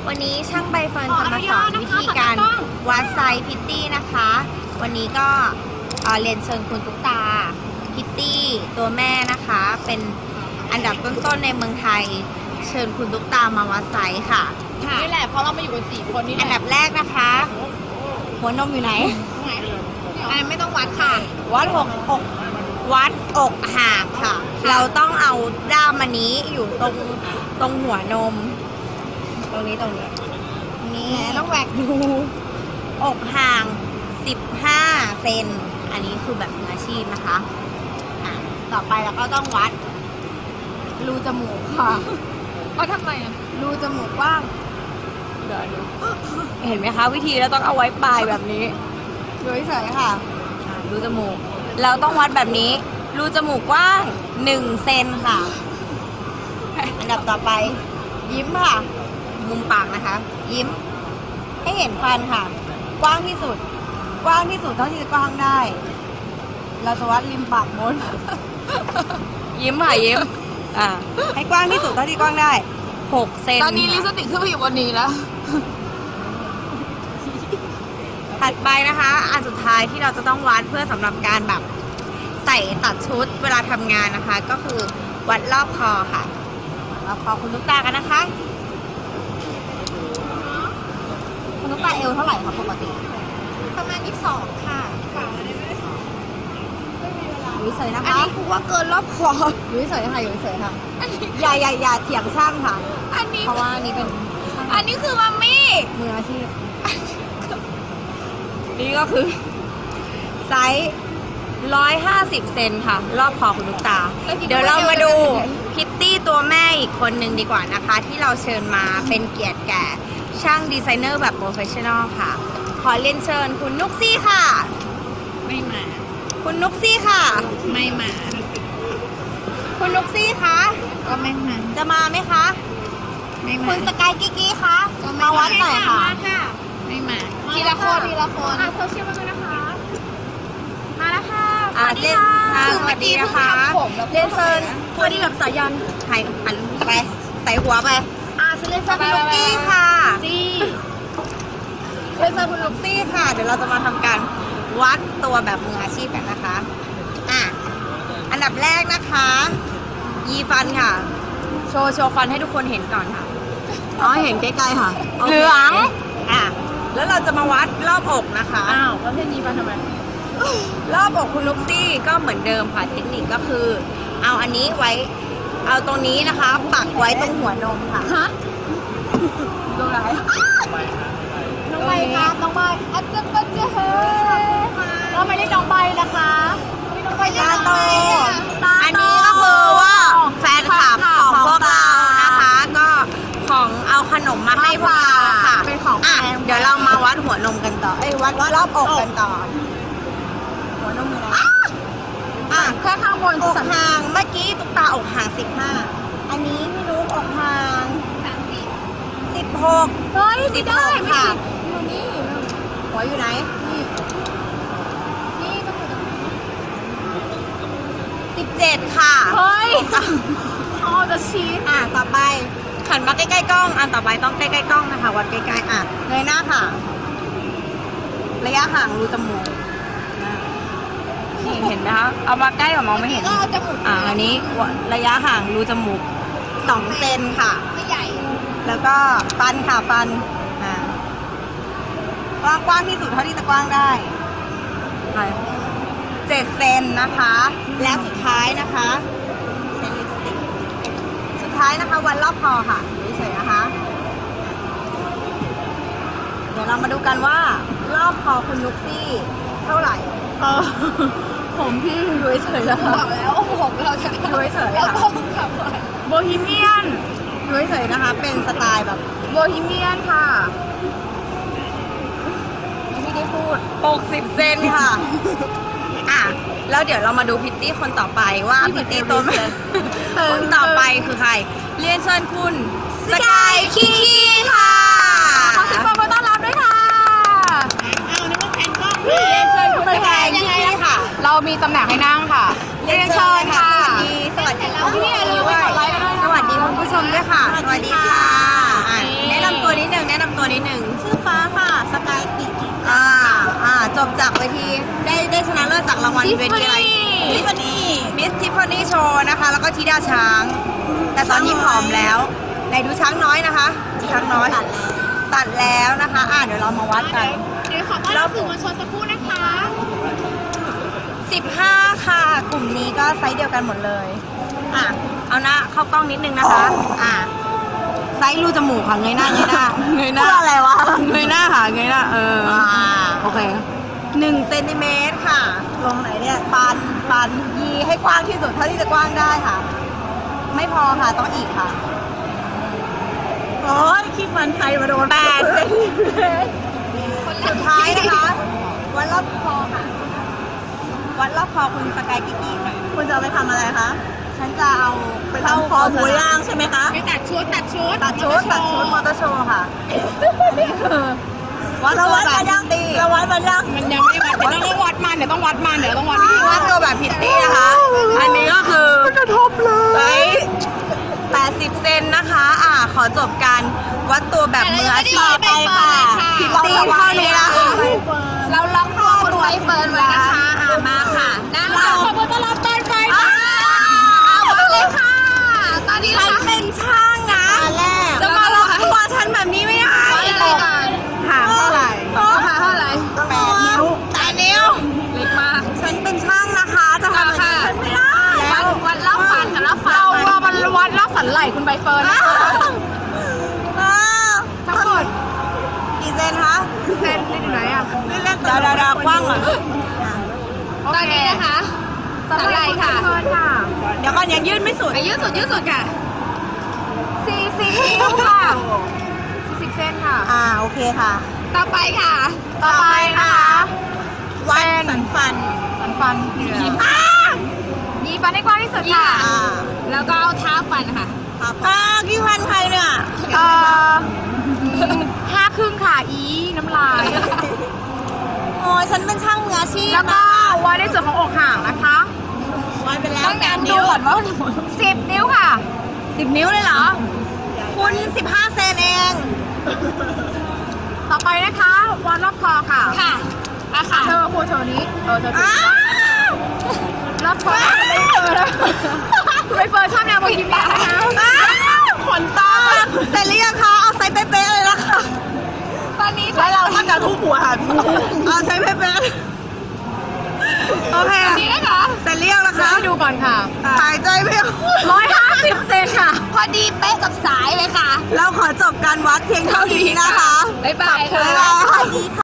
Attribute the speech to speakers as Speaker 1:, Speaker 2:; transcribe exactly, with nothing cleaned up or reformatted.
Speaker 1: วันนี้ช่างใบเฟิร์นจะมาสอนวิธีการวัดไซส์พิตตี้นะคะ วันนี้ก็เรียนเชิญคุณตุ๊กตาพิตตี้ตัวแม่นะคะ เป็นอันดับต้นๆในเมืองไทยเชิญคุณตุ๊กตามาวัดไซส์ค่ะ
Speaker 2: นี่แหละเพราะเรามาอยู่กันสี่คนนี่แหละ
Speaker 1: อันดับแรกนะคะหัวนมอยู่ไหน
Speaker 2: อันไม่ต้องวัดค่ะ
Speaker 1: วัดอกอกวัดอกห่างค่ะเราต้องเอาด้ามอันนี้อยู่ตรงตรงหัวนมตรงนี้ตรงนี้นี่ต้องแหวกดูอกห่างสิบห้าเซนอันนี้คือแบบมืออาชีพนะคะอ่ะต่อไปเราก็ต้องวัดรูจมูกค่ะ
Speaker 2: เอาทำไมอ่ะ
Speaker 1: รูจมูกกว้างเดี๋ยวดูเห็นไหมคะวิธีเราต้องเอาไว้ปลายแบบนี้ดูเฉยๆค่ะรูจมูกเราต้องวัดแบบนี้รูจมูกกว้างหนึ่งเซนค่ะอันดับต่อไปยิ้มค่ะมุมปากนะคะยิ้มให้เห็นฟันค่ะกว้างที่สุดกว้างที่สุดเท่าที่จะกว้างได้เราจะวัดริมปากบนยิ้มค่ะยิ้มอ่าให้กว้างที่สุดเท่าที่กว้างได้หกเซน
Speaker 2: ตอนนี้ลิปสติกขึ้นมาอยู่บนนี้แล้ว
Speaker 1: ถัดไปนะคะอันสุดท้ายที่เราจะต้องวัดเพื่อสำหรับการแบบใส่ตัดชุดเวลาทำงานนะคะ ก็คือวัดรอบคอค่ะรอบคอคุณตุ๊กตากันนะคะคุณตุ๊กตาเอวเท่าไหร่คะปกติ
Speaker 2: ประมาณยี่สิบสองค่ะ
Speaker 1: อยู่เฉยนะคะ
Speaker 2: อันนี้คือว่าเกินรอบคอ
Speaker 1: อยู่เฉยค่ะอยู่เฉยค่ะอย่าอย่าอย่าเถียงช่างค่ะ
Speaker 2: อันนี้
Speaker 1: เพราะว่านี่เป็น
Speaker 2: อันนี้คือมัมมี่
Speaker 1: มืออาชีพนี่ก็คือไซส์ร้อยห้าสิบเซนค่ะรอบคอคุณตุ๊กตาเดี๋ยวเรามาดูพิตตี้ตัวแม่อีกคนหนึ่งดีกว่านะคะที่เราเชิญมาเป็นเกียรติแก่ช่างดีไซเนอร์แบบโปรเฟชชั่นอลค่ะขอเรียนเชิญคุณนุกซี่ค่ะ
Speaker 2: ไม่มา
Speaker 1: คุณนุกซี่ค่ะ
Speaker 2: ไม่มา
Speaker 1: คุณนุกซี่คะ
Speaker 2: ก็ไม่มา
Speaker 1: จะมาไหมคะ
Speaker 2: ไม่มา
Speaker 1: คุณสกายกิ๊กี้คะมาวัดหน่อยค่ะ
Speaker 2: ไม่มาทีละคนทีละคน
Speaker 1: โซเชียลมาเลยนะคะมาแล้วค่ะสวัสดีค่ะสวัสดีนะคะเรียนเชิญสวัสดีแบบสายันหันหันไปใส่หัวไปอ่าเรียนเชิญคุณนุกซี่ค่ะซี่เรียนเชิญคุณนุกซี่ค่ะเดี๋ยวเราจะมาทำการวัดตัวแบบมืออาชีพกันนะคะอ่ะอันดับแรกนะคะยีฟันค่ะโชว์โชว์ฟันให้ทุกคนเห็นก่อนค่ะอ๋อเห็นใกล้ๆค่ะเหลืองอ่ะแล้วเราจะมาวัดรอบอกนะคะ
Speaker 2: อ้าวแล้วเทนยีฟันทำไม
Speaker 1: รอบอกคุณลุกซี่ก็เหมือนเดิมค่ะเทคนิคก็คือเอาอันนี้ไว้เอาตรงนี้นะคะปักไว้ตรงหัวนมค่ะ
Speaker 2: ฮะ
Speaker 1: ตรงไหน
Speaker 2: น้องใบค่ะน้องใบอาจจะก็จะเฮ้ยเราไม่ได้น้องใบนะคะน้องใบ
Speaker 1: ตาโตอันนี้ก็คือว่าแฟนคลับของพวกเรานะคะก็ของเอาขนมมาให้พวกเราค่ะ
Speaker 2: เป็นของ
Speaker 1: อ่ะเดี๋ยวเรามาวัดหัวนมกันต่อเอ้ยวัดรอบอกกันต่อหัวนมอยู่ไหนอ่ะ
Speaker 2: แค่ข้างบน
Speaker 1: อกห่างเมื่อกี้ตุ๊กตาอกห่างสิบห้าอันนี้พี่นุ๊กอกห่าง
Speaker 2: สามสิบ
Speaker 1: สิบหก
Speaker 2: เฮ้ยไม่ได้ค่ะอยู่นี่
Speaker 1: หัวอยู่ไหน
Speaker 2: นี่นี่ต้องอยู่ตรงนี้
Speaker 1: สิบเจ็ดค่ะ
Speaker 2: เฮ้ยอ๋อจะชี้
Speaker 1: อ่ะต่อไปหันมาใกล้ๆกล้องอันต่อไปต้องใกล้ๆกล้องนะคะวัดใกล้ๆอ่ะเงยหน้าค่ะระยะห่างรูจมูกนี่เห็นไหมคะเอามาใกล้กว่ามองไม่เห็นอ่าอันนี้ระยะห่างรูจมูกสองเซนค่ะ
Speaker 2: ไม่ใหญ่
Speaker 1: แล้วก็ฟันค่ะฟันอ่ากว้างกว้างที่สุดเท่าที่จะกว้างได้เจ็ดเซนนะคะและสุดท้ายนะคะเซนลิปสติกสุดท้ายนะคะวัดรอบคอค่ะเฉยๆนะคะเดี๋ยวเรามาดูกันว่ารอบคอคุณนุกซี่เท่าไหร่
Speaker 2: เออผมพี่
Speaker 1: ดูเฉยๆแล้ว
Speaker 2: บอกแล้วผมเราจะ
Speaker 1: ดูเฉยๆค่ะ
Speaker 2: โบฮีเมียน
Speaker 1: ดูเฉยๆนะคะเป็นสไตล์แบบ
Speaker 2: โบฮีเมียนค่ะ
Speaker 1: ไม่ได้พูดหกสิบเซนค่ะอ่ะแล้วเดี๋ยวเรามาดูพิตตี้คนต่อไปว่าพิตตี้ตัวแม่คนต่อไปคือใครเรียนเชิญคุณสกายคีคีค่ะ
Speaker 2: ขอเสียงปรบมือต้อนรับด้วยค่ะ
Speaker 1: เอานึกว่าแผ่นกล้องเรียนเชิญคุณสกายคีคีค่ะ
Speaker 2: เรามีตำแหน่งให้นั่งค่ะเรียนเชิญค่ะ
Speaker 1: สวัสดี
Speaker 2: พี่อย่าลืมกดไลค์กันด้วย
Speaker 1: สวัสดีคุณผู้ชมด้วยค่ะสวัสดีค่ะแนะนำตัวนิดนึงทีได้ได้ชนะเลิศจากรางวัลเวทีอะไรทิฟฟานี่มิสทิฟฟานี่โชว์นะคะแล้วก็ธิดาช้าง แต่ตอนนี้ผอมแล้วไหนดูช้างน้อยนะคะช้างน้อยตัดแล้วนะคะอ่ะเดี๋ยวเรามาวัดกัน
Speaker 2: เดี๋ยวขอต้อนรับสื่อมวลชนสักครู่นะคะ
Speaker 1: สิบห้าค่ะกลุ่มนี้ก็ไซส์เดียวกันหมดเลยอ่ะเอาหน้าเข้ากล้องนิดนึงนะคะอ่ะไซส์รูจมูกค่ะเงยหน้าเงยหน้าเงยหน้าอะไรวะเงยหน้าค่ะเงยหน้าเออโอเคหนึ่งเซนติเมตรค่ะตรงไหนเนี่ยปันปันยีให้กว้างที่สุดเท่าที่จะกว้างได้ค่ะ ไม่พอค่ะต้องอีกค่ะโอ้ยขี้ฟันไทยมาโดนแปดเซนติเมตรสุดท้ายนะคะวัดรอบคอค่ะวัดรอบคอคุณสกายกิ๊กกี้ค่ะคุณจะเอาไปทำอะไรคะฉันจะเอาไปเข้าคอหมูย่างใช่ไหมคะ
Speaker 2: ไปตัดชุดตัดชุด
Speaker 1: ตัดชุดตัดชุดมอเตอร์โชว์ค่ะอันนี้คือวัดตัวแบบพิตตี้เราวัดมันยัง
Speaker 2: มันยังไม่วัดเดี๋ยวต้องวัดมันเดี๋ยวต้องวัดมันเดี๋ยวต้องวัดวิธี
Speaker 1: วัดตัวแบบพิตตี้นะคะ อันนี้ก็คือกระทบเลยไซส์แปดสิบเซนนะคะอ่าขอจบการวัดตัวแบบมืออาชีพไปค่ะพิตตี้เท่านี้นะคะ
Speaker 2: เราล็อกคอคุณใบเฟิร์นไว้นะคะอ่ามาค่ะนั่งเราขอบคุณต้อนรับต้นไฟค่ะเอาเลยค่ะตอนนี้
Speaker 1: ฉัน
Speaker 2: นะคะ
Speaker 1: เป็นช่างนะจะมาล็อกตัวฉันแบบนี้ไม่ได้
Speaker 2: อะไรก่อน
Speaker 1: ถามเท่าไหร่
Speaker 2: ค่ะเท่าไหร่
Speaker 1: แปดนิ้วแปดนิ้ว
Speaker 2: เล็กมาก
Speaker 1: ฉันเป็นช่างนะคะ จะทำแบบนี้ฉันไม่ได้
Speaker 2: วัดวัดรอบฟันกับรอบฟันเราเรามันวัดรอบสันไหล่คุณใบเฟิร์นนะคะ
Speaker 1: อ้าว
Speaker 2: ทั้งหมด
Speaker 1: กี่เซนคะ
Speaker 2: เซนนี่อยู่ไหนอ่ะ
Speaker 1: เดี๋ยวเดี๋ยวเดี๋ยวกว้างก่อน
Speaker 2: ตอนนี้นะคะสันไหล่ค่ะ
Speaker 1: เดี๋ยวก่อนยังยืดไม่สุด
Speaker 2: อายืดสุดยืดสุดค่ะ
Speaker 1: สี่สิบนิ้วค่ะ
Speaker 2: สิบเซนค่ะ
Speaker 1: อ่าโอเคค่ะ
Speaker 2: ต่อไปค่ะ
Speaker 1: ต่อไปนะคะวัดสันฟัน
Speaker 2: สันฟัน
Speaker 1: ยิ้ม
Speaker 2: มีฟันให้กว้างที่สุดค่ะ
Speaker 1: อ่า
Speaker 2: แล้วก็เอาเท้าฟันค่ะ
Speaker 1: อ่ากี่พันใครเนี่ย
Speaker 2: เอ่อห้าครึ่งค่ะ อีน้ำลาย
Speaker 1: โอ้ยฉันเป็นช่างมืออาชีพ
Speaker 2: แล้วก็วัดในส่วนของอกห่างนะคะ
Speaker 1: วัดไปแล้ว
Speaker 2: ต้องแนมดูก่อนว่าสิบนิ้วค่ะ
Speaker 1: สิบนิ้วเลยเหรอ คุณสิบห้าเซนเอง
Speaker 2: ต่อไปนะคะวัดรอบคอค่ะ ค่ะอะค่ะ เธอครูเธอนี้ เออเธอ
Speaker 1: อ้าว
Speaker 2: รอบคอไม่เจอแล้วคุณใบเฟิร์นชอบแนวโบฮีเมียนนะคะ
Speaker 1: อ้าวขนตาเสร็จหรือยังคะเอาไซส์เป๊ะๆเลยละค่ะ
Speaker 2: ตอนนี้
Speaker 1: แล้วเราถ้าจะทุบหัวหันเอาไซส์เป๊ะๆโอเค
Speaker 2: ตอนนี้นะคะ
Speaker 1: เสร็จหรือยังนะคะ
Speaker 2: ให้ดูก่อนค่ะ
Speaker 1: หายใจไม่ออก
Speaker 2: ร้อยห้าสิบเซนค่ะ พอดีเป๊ะกับสายเลยค่ะ
Speaker 1: เราขอจบการวัดเพียงเท่านี้นะคะ
Speaker 2: บ๊ายบายค่ะ
Speaker 1: บ๊ายบาย